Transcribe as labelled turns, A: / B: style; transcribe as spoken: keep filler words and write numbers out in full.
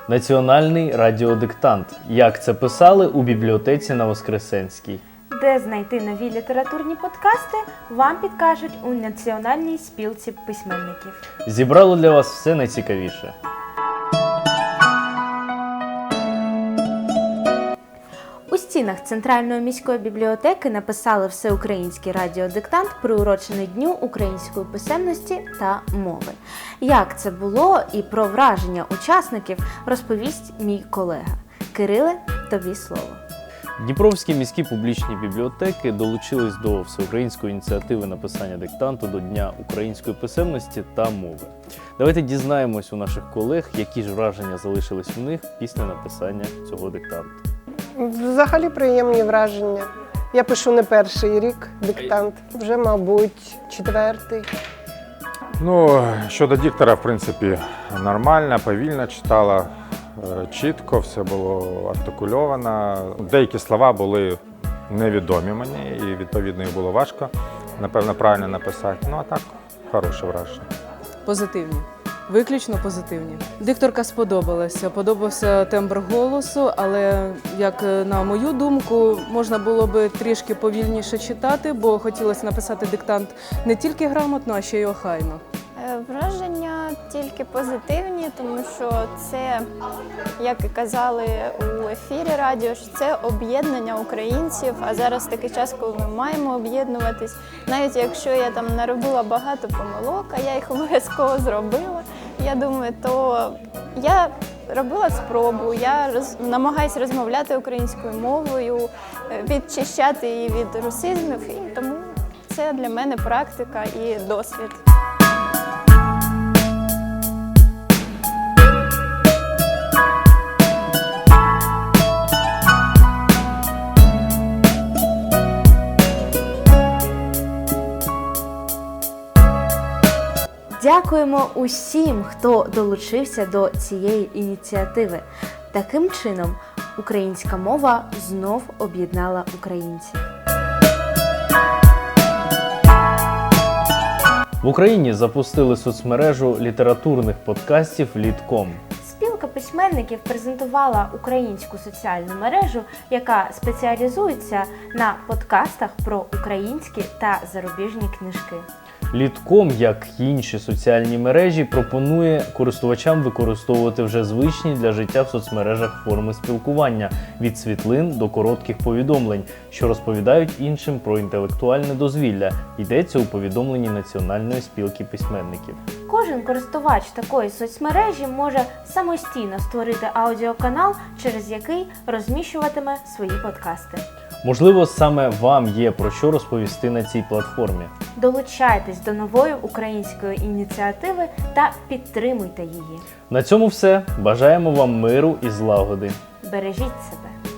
A: Національний радіодиктант. Як це писали у бібліотеці на Воскресенській.
B: Де знайти нові літературні подкасти, вам підкажуть у Національній спілці письменників.
A: Зібрали для вас все найцікавіше.
B: У стінах Центральної міської бібліотеки написали всеукраїнський радіодиктант, приурочений Дню української писемності та мови. Як це було і про враження учасників розповість мій колега. Кириле, тобі слово.
A: Дніпровські міські публічні бібліотеки долучились до всеукраїнської ініціативи написання диктанту до Дня української писемності та мови. Давайте дізнаємось у наших колег, які ж враження залишились у них після написання цього диктанту.
C: Взагалі приємні враження. Я пишу не перший рік диктант, вже, мабуть, четвертий.
D: Ну, щодо диктора, в принципі, нормально, повільно читала, чітко, все було артикульовано. Деякі слова були невідомі мені і, відповідно, їх було важко, напевно, правильно написати. Ну, а так, хороше враження.
E: Позитивні. Виключно позитивні. Дикторка сподобалася, подобався тембр голосу, але, як на мою думку, можна було би трішки повільніше читати, бо хотілося написати диктант не тільки грамотно, а ще й охайно.
F: Враження тільки позитивні, тому що це, як і казали у ефірі радіо, що це об'єднання українців, а зараз такий час, коли ми маємо об'єднуватись. Навіть якщо я там наробила багато помилок, а я їх обов'язково зробила, я думаю, то я робила спробу, я роз... намагаюся розмовляти українською мовою, відчищати її від русизмів, і тому це для мене практика і досвід.
B: Дякуємо усім, хто долучився до цієї ініціативи. Таким чином, українська мова знов об'єднала українців.
A: В Україні запустили соцмережу літературних подкастів «Літком».
B: Спілка письменників презентувала українську соціальну мережу, яка спеціалізується на подкастах про українські та зарубіжні книжки.
A: Літком, як і інші соціальні мережі, пропонує користувачам використовувати вже звичні для життя в соцмережах форми спілкування – від світлин до коротких повідомлень, що розповідають іншим про інтелектуальне дозвілля. Йдеться у повідомленні Національної спілки письменників.
B: Кожен користувач такої соцмережі може самостійно створити аудіоканал, через який розміщуватиме свої подкасти.
A: Можливо, саме вам є про що розповісти на цій платформі.
B: Долучайтесь до нової української ініціативи та підтримуйте її.
A: На цьому все. Бажаємо вам миру і злагоди.
B: Бережіть себе.